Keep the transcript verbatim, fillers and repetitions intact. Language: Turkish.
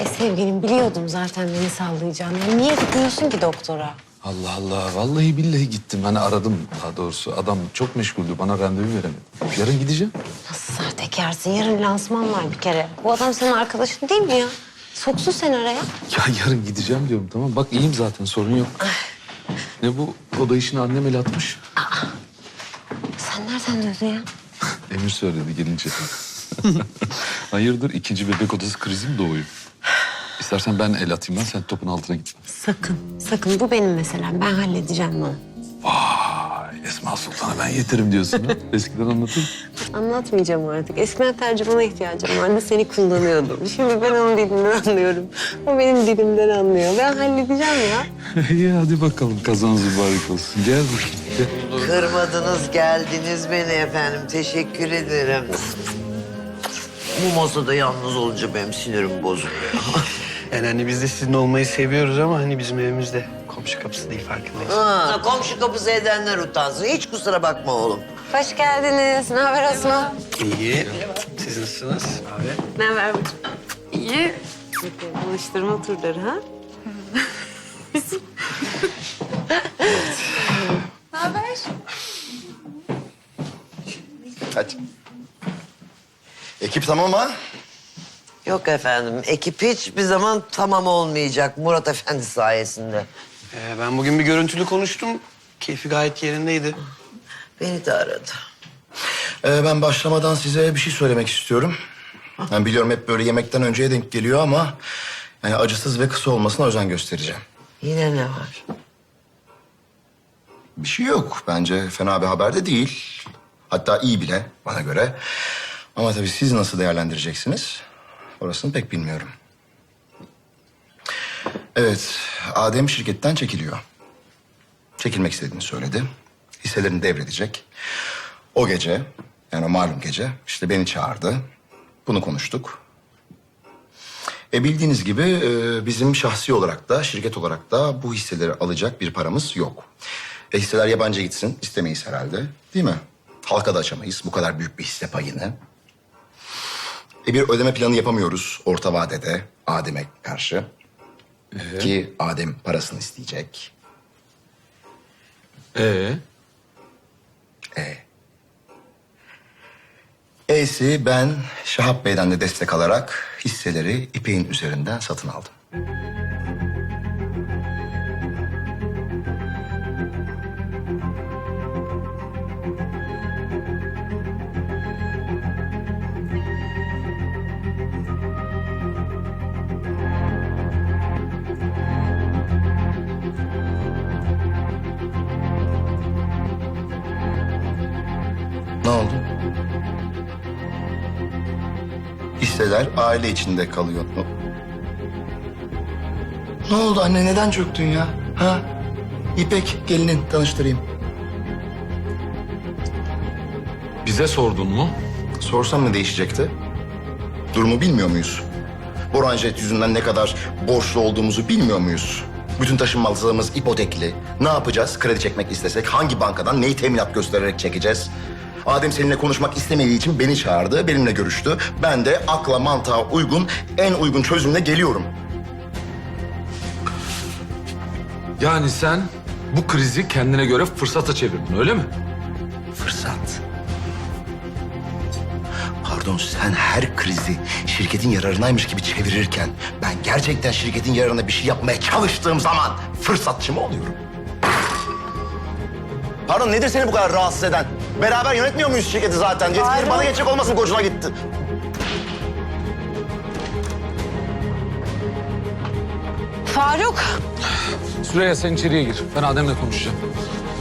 E sevgilim biliyordum zaten beni sallayacağını. Ya niye gitmiyorsun ki doktora? Allah Allah. Vallahi billahi gittim. Hani aradım daha doğrusu. Adam çok meşguldü. Bana randevu veremedi. Yarın gideceğim. Nasıl sahtekarsın? Yarın lansman var bir kere. Bu adam senin arkadaşın değil mi ya? Soksun seni araya. Ya yarın gideceğim diyorum tamam. Bak iyiyim zaten sorun yok. Ne bu? Oda işini annem el atmış. Sen nereden duydun ya? Emir söyledi gelince. Hayırdır ikinci bebek odası krizi mi doğuyor? İstersen ben el atayım ben, sen topun altına gitme. Sakın, sakın. Bu benim meselem. Ben halledeceğim bunu. Vay Esma Sultan'a ben yeterim diyorsun ha. Eskiden anlatın. Anlatmayacağım artık. Eskiden tercümana ihtiyacım vardı. Seni kullanıyordum. Şimdi ben onun dilinden anlıyorum. O benim dilimden anlıyor. Ben halledeceğim ya. İyi hadi bakalım kazanız mübarek olsun. Gel bakayım. Gel. Kırmadınız, geldiniz beni efendim. Teşekkür ederim. Bu masada yalnız olunca benim sinirim bozuluyor. Yani hani biz de sizin olmayı seviyoruz ama hani bizim evimizde komşu kapısı değil farkındayız. Ha, komşu kapısı edenler utansın. Hiç kusura bakma oğlum. Hoş geldiniz. Ne haber Osman? İyi. Siz nasılsınız abi? Ne haber? İyi. Buluşturma turları ha? Hadi. Ekip tamam ha? Yok efendim, ekip hiçbir zaman tamam olmayacak Murat Efendi sayesinde. Ee, ben bugün bir görüntülü konuştum. Keyfi gayet yerindeydi. Beni de aradı. Ee, ben başlamadan size bir şey söylemek istiyorum. Ben biliyorum hep böyle yemekten önceye denk geliyor ama... yani acısız ve kısa olmasına özen göstereceğim. Yine ne var? Bir şey yok. Bence fena bir haber de değil. Hatta iyi bile bana göre. Ama tabii siz nasıl değerlendireceksiniz? Orasını pek bilmiyorum. Evet, Adem şirketten çekiliyor. Çekilmek istediğini söyledi. Hisselerini devredecek. O gece, yani o malum gece işte beni çağırdı. Bunu konuştuk. E bildiğiniz gibi e, bizim şahsi olarak da şirket olarak da bu hisseleri alacak bir paramız yok. E hisseler yabancı gitsin istemeyiz herhalde değil mi? Halka da açamayız bu kadar büyük bir hisse payını. E bir ödeme planı yapamıyoruz orta vadede Adem'e karşı. Ee? Ki Adem parasını isteyecek. Ee? E. E'si ben Şahap Bey'den de destek alarak hisseleri İpek'in üzerinden satın aldım. Ne oldu? Hisseler aile içinde kalıyor. Ne oldu anne? Neden çöktün ya? Ha? İpek gelinin tanıştırayım. Bize sordun mu? Sorsam ne değişecekti? Durumu bilmiyor muyuz? Boranjet yüzünden ne kadar borçlu olduğumuzu bilmiyor muyuz? Bütün taşınmazlığımız ipotekli. Ne yapacağız? Kredi çekmek istesek hangi bankadan neyi teminat göstererek çekeceğiz? Adem seninle konuşmak istemediği için beni çağırdı, benimle görüştü. Ben de akla mantığa uygun, en uygun çözümle geliyorum. Yani sen bu krizi kendine göre fırsata çevirdin öyle mi? Fırsat. Pardon, sen her krizi şirketin yararınaymış gibi çevirirken... ben gerçekten şirketin yararına bir şey yapmaya çalıştığım zaman fırsatçı mı oluyorum? Pardon, nedir seni bu kadar rahatsız eden? Beraber yönetmiyor muyuz şirketi zaten? Yetkileri bana geçecek olmasın, kocuna gitti. Faruk. Süreyya sen içeriye gir. Ben Adem'le konuşacağım.